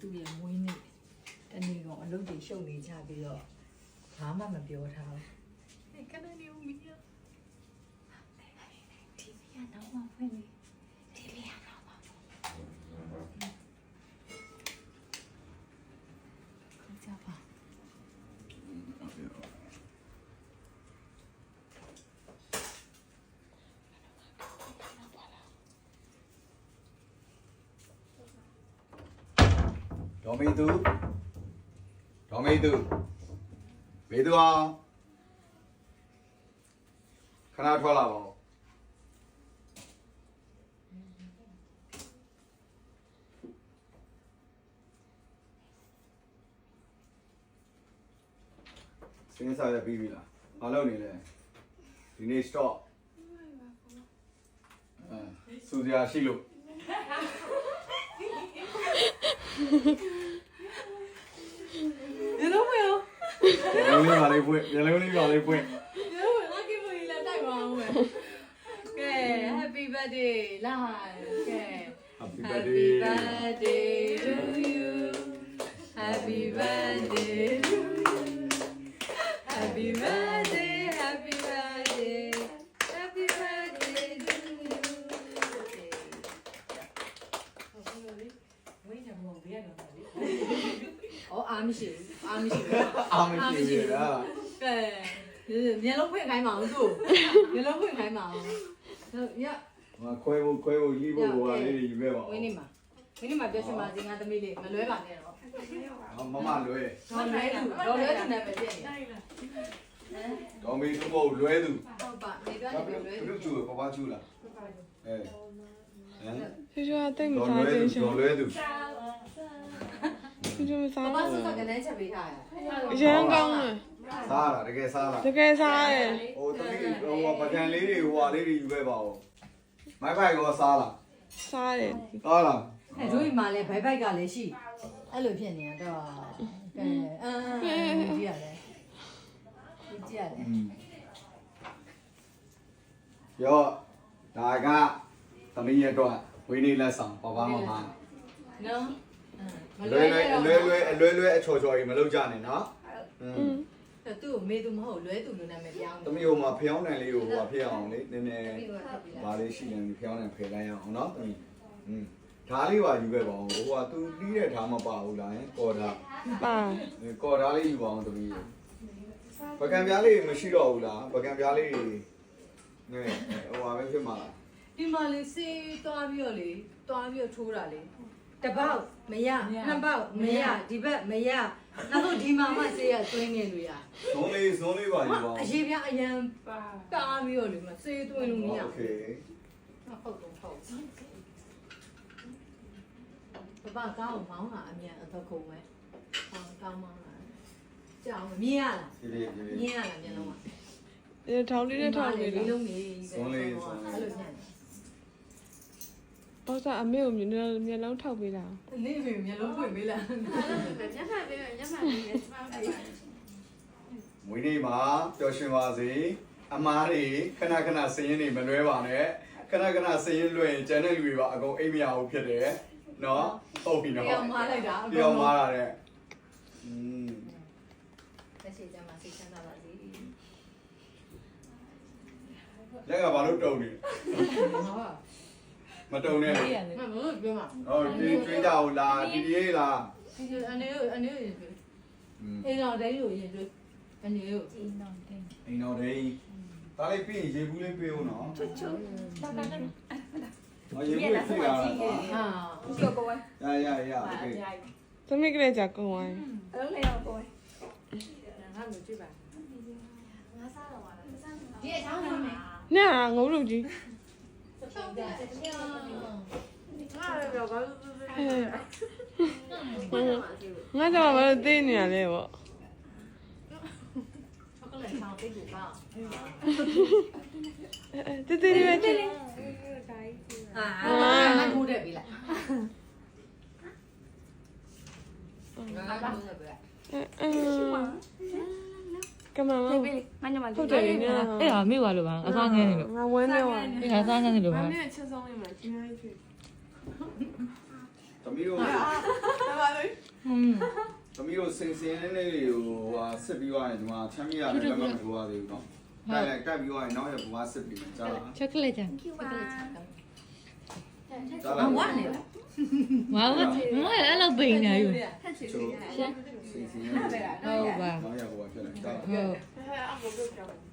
သူ့ရဲ့မွေးနေ့တနေ့ကောင်အလုပ်တွေရှုပ်နေကြပြီးတော့ဘာမှမပြောထားဘူးခဏနေဦးမီးတီဗီကတော့မဖွင့်နေတီဗီကတော့မဖွင့်ကြပါဒေါ်မေသူမေသူအောင်ခဏထွက်လာပါဦးစင်းစားရပြီးပြီလားမလုပ်နေလဲဒီနေ့ stop စူစရာရှိလို့你都没有。 မျက်လုံးလေးပါလေးပွင့်你都没有，我给不你来带光我。给 Happy birthday 来，给 Happy Happy birthday to you. Happy birthday to you. Happy birthday, happy birthday, happy birthday to you. ဝိညာဉ်မောင်ဘေးရတော့လေ။အော်အားမရှိဘူး။အားမရှိဘူး။အားမရှိဘူးလားကဲမျက်လုံးဖွင့်ခိုင်းပါအောင်သူ့မျက်လုံးဖွင့်ခိုင်းပါအောင်ရမခွဲဖို့ရေးဖို့ဟိုလေးတွေယူခဲ့ပါဦးဝင်းနေမှာပြောချင်ပါစေငါသမီးလေးမလွဲပါနဲ့တော့မမလွဲတော့လွဲသူနဲ့ပဲဖြစ်နေဒေါ်မေသူမဟုတ်လွဲသူဟုတ်ပါနေတော့လွဲဘယ်လိုကျူပပကျူလားအဲဟမ်ဖြူဖြူကတိတ်မစားခြင်းရှင်ဒေါ်လွဲသူဖြူဖြူမစားဘာဘူးစုကလည်းချက်ပေးထားရအရန်ကောင်းတယ်စားလားတကယ်စားလားတကယ်စားတယ်ဟိုတမီးဟိုပကံလေးတွေဟိုဟာလေးတွေယူခဲ့ပါဦးမိုက်ဖိုက်ကောစားလားစားတယ်စားလားအဲတို့ဒီမှာလည်းဘိုက်ဘိုက်ကလည်းရှိအဲ့လိုဖြစ်နေတော့ကဲကြည့်ရတယ်ကြည့်ရတယ်ရောဒါကသမီးရဲ့တော့ဝင်းနေလက်ဆောင်ပပမမနော်လွဲအချော်ချော်ကြီးမလုပ်ကြနဲ့နော်သူ့ကိုမေးသူမဟုတ်လွဲသူလိုနာမည်ပြောင်းသမီးဟိုမှာဖျောင်းတန်လေးကိုဟိုဖြစ်အောင်လေနည်းနည်းဗာလေးရှိတယ်ဖျောင်းတန်ဖယ်လိုက်အောင်နော်သမီးဓားလေးပါယူခဲ့ပါအောင်ဟိုကသူတီးတဲ့ဓားမပါဘူးလားကော်ဓာပါကော်ဓာလေးယူပါအောင်သမီးပကံပြားလေးမရှိတော့ဘူးလားပကံပြားလေးဟိုဟာပဲဖြစ်မှာလားဒီမှာလေးစေးသွားပြီးတော့ထိုးတာလေတစ်ပေါက်မရနှစ်ပေါက်မရဒီဘက်မရနောက်တော့ဒီမှာမှစေးရသွင်းနေလို့ရဇုံးလေးပါယူပါအောင်အရေးပြအရန်တားပြီးတော့လေမစေးသွင်းလို့မရโอเคဟုတ်ပပကောင်းမောင်းတာအမြန်အသက်ခုံပဲကောင်းမောင်းတာကြောက်မြင်ရလားဒီလေးမြင်ရလားမျက်လုံးကဒီထောင်းလေးနဲ့ထောင်းလေးလေးလုံးနေအဲ့လိုညံ့တော့စားအမေကိုမျက်လုံးထောက်ပေးတာနေပြီမျက်လုံးဖွင့်ပေးလားမွေးနေ့မှာပျော်ရွှင်ပါစေအမားတွေခဏခဏစည်ရင်းတွေမလွဲပါနဲ့ခဏခဏစည်ရင်းလွှဲရင်ကျန်တဲ့လူတွေပါအကုန်အိမ်မရဘူးဖြစ်တယ်နော်ဟုတ်ပြီနော်ပြောင်းမလိုက်တာပြောင်းမာတာတဲ့လက်ရှိကျမှစိတ်ချမ်းသာပါစေလက်ကဘာလို့တုံနေဟုတ်မတုံနဲ့မဟုတ်ပြောမှာဟုတ်ဒီကျွေးကြအောင်လားဒီလေးလားဒီအနေအေးတော့တိုင်းလို့ရင်တွေ့အနေကိုအိမ်တော်လေးဒါလေးပြီးရေဘူးလေးပေးဦးနော်ချွတ်ရေဘူးပြေးလာတာဟာရโอเคသမီးကလေးကြကုန်ဝိုင်းငါ့ကိုကြည့်ပါဒီအချောင်းနာမယ်နာငုံလို့ကြီး ငါတော့မလို့သိနေရလဲပေါ့ တေးတေးလေးပဲကြည့်ငါထိုးတယ်ပြီလားငါထိုးတယ်ပြီလားကမမဟုတ်တယ်လေအဲ့ဒါမိသွားလို့ပါအစားငန်းနေလို့ငါဝန်းနေပါအဲ့ဒါအစားငန်းနေလို့ပါသမီးတို့သမီးတို့စင်စင်လေးလေးကိုဟာစစ်ပြီးသွားရင်ဒီမှာချမ်းမြေရတယ်လက်မမထိုးရသေးဘူးနော်တက်ပြီးသွားရင်နောက်ရဘွားစစ်ပြီးကြားလားချောကလက်ချမ်းကြားလားဝါနေလားဝါဝငါအဲ့လိုပိန်နေယူချိုးစင်စင်လေးဟုတ်ပါနောက်ရဘွားဖြစ်လာကြားလားဟုတ်